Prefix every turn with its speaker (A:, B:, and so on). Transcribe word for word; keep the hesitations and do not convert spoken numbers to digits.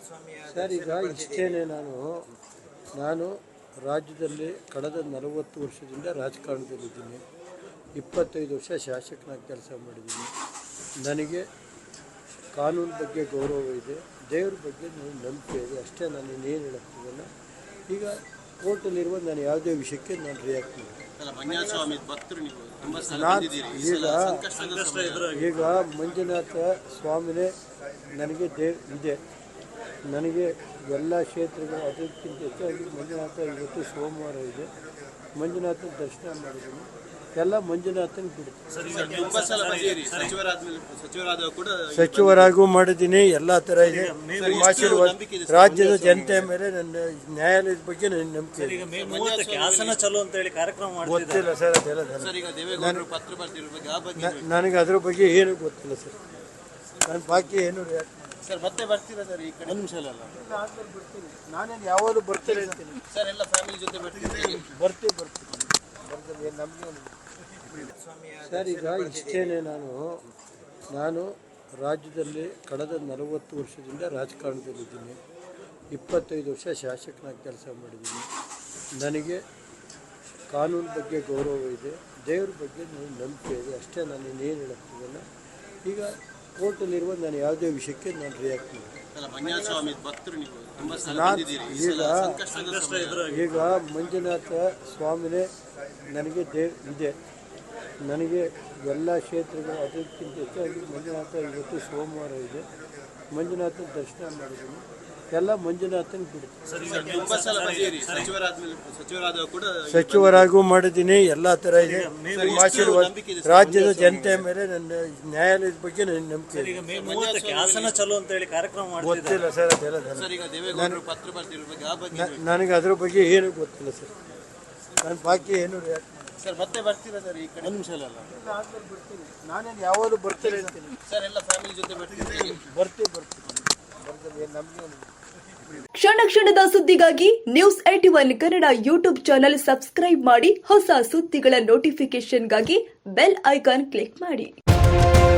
A: Sir, ಈಗ ಇಷ್ಟೇನೆ ನಾನು ನಾನು ರಾಜ್ಯದಲ್ಲಿ ಕಳೆದ ನಲವತ್ತು ವರ್ಷದಿಂದ ರಾಜಕಾರಣದಲ್ಲಿದ್ದೀನಿ. ಇಪ್ಪತ್ತೈದು ವರ್ಷ ಶಾಸಕನಾಗಿ ಕೆಲಸ ಮಾಡಿದ್ದೀನಿ. ನನಗೆ ಕಾನೂನು ಬಗ್ಗೆ ಗೌರವ ಇದೆ, ದೇವ್ರ ಬಗ್ಗೆ ನನಗೆ ನಂಬಿಕೆ ಇದೆ. ಅಷ್ಟೇ, ನಾನು ಇನ್ನೇನು ಹೇಳೋಕ್ಕಿಲ್ಲ. ಈಗ ಕೋರ್ಟಲ್ಲಿರುವ ನಾನು ಯಾವುದೇ ವಿಷಯಕ್ಕೆ ನಾನು ರಿಯಾಕ್ಟ್ ಮಾಡಿ ನಾನು ಈಗ ಈಗ ಮಂಜುನಾಥ ಸ್ವಾಮಿನೇ ನನಗೆ ದೇವ್ ಇದೆ. ನನಗೆ ಎಲ್ಲ ಕ್ಷೇತ್ರಗಳು ಅದಕ್ಕಿಂತ ಹೆಚ್ಚಾಗಿ ಮಂಜುನಾಥ ಇವತ್ತು ಸೋಮವಾರ ಇದೆ. ಮಂಜುನಾಥನ ದರ್ಶನ ಮಾಡಿದ್ದೀನಿ. ಎಲ್ಲ ಮಂಜುನಾಥನ ಬಿಡ್ತೀನಿ. ಸಚಿವರಾಗೂ ಮಾಡಿದ್ದೀನಿ. ಎಲ್ಲ ಥರ ಇದೆ. ಆಶೀರ್ವಾದ ರಾಜ್ಯದ ಜನತೆಯ ಮೇಲೆ ನನ್ನ ನ್ಯಾಯಾಲಯದ ಬಗ್ಗೆ ನನ್ನ ನಂಬಿಕೆ ಗೊತ್ತಿಲ್ಲ ಸರ್. ಅದೆಲ್ಲ ನನಗೆ ಅದ್ರ ಬಗ್ಗೆ ಏನೂ ಗೊತ್ತಿಲ್ಲ ಸರ್. ನನ್ನ ಬಾಕಿ ಏನು
B: ಸರ್ ಮತ್ತೆ ಬರ್ತೀರಾ ಸರ್? ಈ ಕಡೆ ಒಂದು ನಿಮಿಷ ಅಲ್ಲ
A: ಬರ್ತೀನಿ. ನಾನೇನು ಯಾವಾಗಲೂ ಬರ್ತೀನಿ ಅಂತೀನಿ
B: ಸರ್. ಎಲ್ಲ ಫ್ಯಾಮಿಲಿ ಜೊತೆ ಬರ್ತೀವಿ
A: ಬರ್ತೀವಿ ಬರ್ತೀವಿ ಬರ್ತೀವಿ ನಮಗೆ ಸರ್, ಈಗ ಇಷ್ಟೇನೆ ನಾನು ನಾನು ರಾಜ್ಯದಲ್ಲಿ ಕಳೆದ ನಲವತ್ತು ವರ್ಷದಿಂದ ರಾಜಕಾರಣದಲ್ಲಿದ್ದೀನಿ. ಇಪ್ಪತ್ತೈದು ವರ್ಷ ಶಾಸಕನಾಗಿ ಕೆಲಸ ಮಾಡಿದ್ದೀನಿ. ನನಗೆ ಕಾನೂನು ಬಗ್ಗೆ ಗೌರವ ಇದೆ, ದೇವ್ರ ಬಗ್ಗೆ ನನಗೆ ನಂಬಿಕೆ ಇದೆ. ಅಷ್ಟೇ, ನಾನು ಇನ್ನೇನು ಹೇಳೋಕ್ಕಿಲ್ಲ. ಈಗ ಕೋರ್ಟಲ್ಲಿರುವ ನಾನು ಯಾವುದೇ ವಿಷಯಕ್ಕೆ ನಾನು ರಿಯಾಕ್ಟ್ ಮಾಡಿ ನಾನು ಈಗ ಈಗ ಮಂಜುನಾಥ ಸ್ವಾಮಿನೇ ನನಗೆ ದೇವ್ ಇದೆ. ನನಗೆ ಎಲ್ಲ ಕ್ಷೇತ್ರಗಳು ಅದಕ್ಕಿಂತ ಹೆಚ್ಚಾಗಿ ಮಂಜುನಾಥ ಇವತ್ತು ಸೋಮವಾರ ಇದೆ. ಮಂಜುನಾಥನ ದರ್ಶನ ಮಾಡಿದ್ದೀನಿ. ಎಲ್ಲ ಮಂಜುನಾಥನ ಬಿಡ್ತೀನಿ. ಸಚಿವರಾಗೂ ಮಾಡಿದ್ದೀನಿ. ಎಲ್ಲ ಥರ ಇದೆ. ಆಶೀರ್ವಾದ ರಾಜ್ಯದ ಜನತೆಯ ಮೇಲೆ ನನ್ನ ನ್ಯಾಯಾಲಯದ ಬಗ್ಗೆ ನನ್ನ ನಂಬಿಕೆ ಗೊತ್ತಿಲ್ಲ ಸರ್. ಅದೆಲ್ಲ ನನಗೆ ಅದ್ರ ಬಗ್ಗೆ ಏನೂ ಗೊತ್ತಿಲ್ಲ ಸರ್. ನನ್ನ ಬಾಕಿ ಏನು
B: ಸರ್ ಮತ್ತೆ ಬರ್ತೀರಾ ಸರ್? ಈ ಕಡೆ ಒಂದು ನಿಮಿಷ ಅಲ್ಲ
A: ಬರ್ತೀನಿ. ನಾನೇನು ಯಾವಾಗಲೂ ಬರ್ತೀನಿ ಅಂತೀನಿ
B: ಸರ್. ಎಲ್ಲ ಫ್ಯಾಮಿಲಿ ಜೊತೆ ಬರ್ತೀವಿ
A: ಬರ್ತೀವಿ ಬರ್ತೀವಿ ಬರ್ತೀವಿ ನಮಗೆ
C: ಕ್ಷಣ ಕ್ಷಣದ ಸುದ್ದಿಗಾಗಿ news eighty one Kannada YouTube channel subscribe ಮಾಡಿ. ಹೊಸ ಸುದ್ದಿಗಳ ನೋಟಿಫಿಕೇಶನ್ಗಾಗಿ ಬೆಲ್ ಐಕಾನ್ ಕ್ಲಿಕ್ ಮಾಡಿ.